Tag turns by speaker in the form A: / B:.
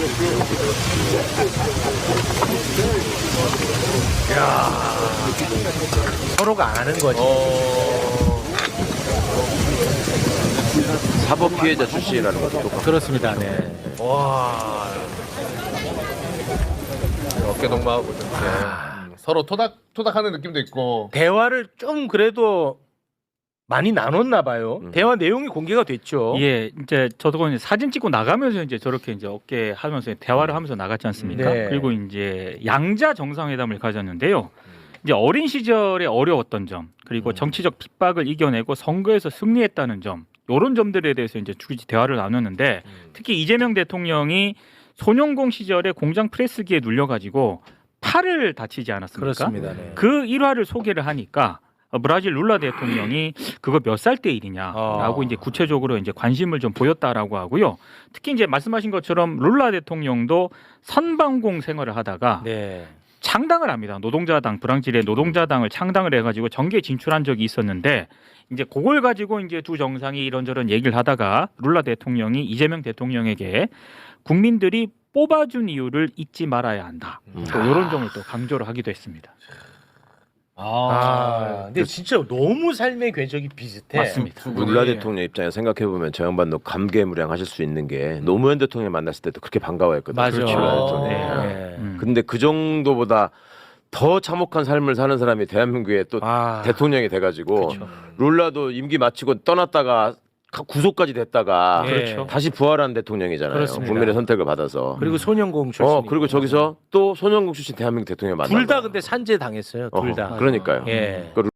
A: 서로가 안 하는 거지.
B: 사법 피해자 출신이라는 것도 똑같고.
A: 그렇습니다. 네. 와.
C: 어깨 동무하고 좀 서로 토닥토닥하는 느낌도 있고.
A: 대화를 좀 그래도 많이 나눴나 봐요. 대화 내용이 공개가 됐죠.
D: 예, 이제 저도 이제 사진 찍고 나가면서 이제 저렇게 이제 어깨 하면서 대화를 하면서 나갔지 않습니까?
A: 네.
D: 그리고 이제 양자 정상회담을 가졌는데요. 이제 어린 시절에 어려웠던 점, 그리고 정치적 핍박을 이겨내고 선거에서 승리했다는 점, 이런 점들에 대해서 이제 주기지 대화를 나눴는데 특히 이재명 대통령이 소년공 시절에 공장 프레스기에 눌려가지고 팔을 다치지 않았습니까?
A: 그렇습니다. 네.
D: 그 일화를 소개를 하니까 브라질 룰라 대통령이 그거 몇 살 때 일이냐라고 이제 구체적으로 이제 관심을 좀 보였다라고 하고요. 특히 이제 말씀하신 것처럼 룰라 대통령도 선방공 생활을 하다가
A: 네.
D: 창당을 합니다. 노동자당, 브라질의 노동자당을 창당을 해가지고 정계에 진출한 적이 있었는데 이제 그걸 가지고 이제 두 정상이 이런저런 얘기를 하다가 룰라 대통령이 이재명 대통령에게 국민들이 뽑아준 이유를 잊지 말아야 한다. 또 이런 점을 또 강조를 하기도 했습니다.
A: 근데 진짜 너무 삶의 궤적이 비슷해.
D: 맞습니다.
B: 룰라 대통령 입장에 생각해보면 저 양반도 감개무량하실 수 있는 게 노무현 대통령 만났을 때도 그렇게 반가워했거든요.
A: 맞아.
B: 룰라 대통령.
A: 네.
B: 근데 그 정도보다 더 참혹한 삶을 사는 사람이 대한민국에 또 대통령이 돼가지고 룰라도 임기 마치고 떠났다가 구속까지 됐다가
A: 그렇죠.
B: 다시 부활한 대통령이잖아요.
A: 그렇습니다.
B: 국민의 선택을 받아서.
A: 그리고 소년공 출신.
B: 그리고 저기서 또 소년공 출신 대한민국 대통령 만나.
A: 둘 다 근데 산재 당했어요. 둘 다.
B: 그러니까요.
A: 예.
B: 그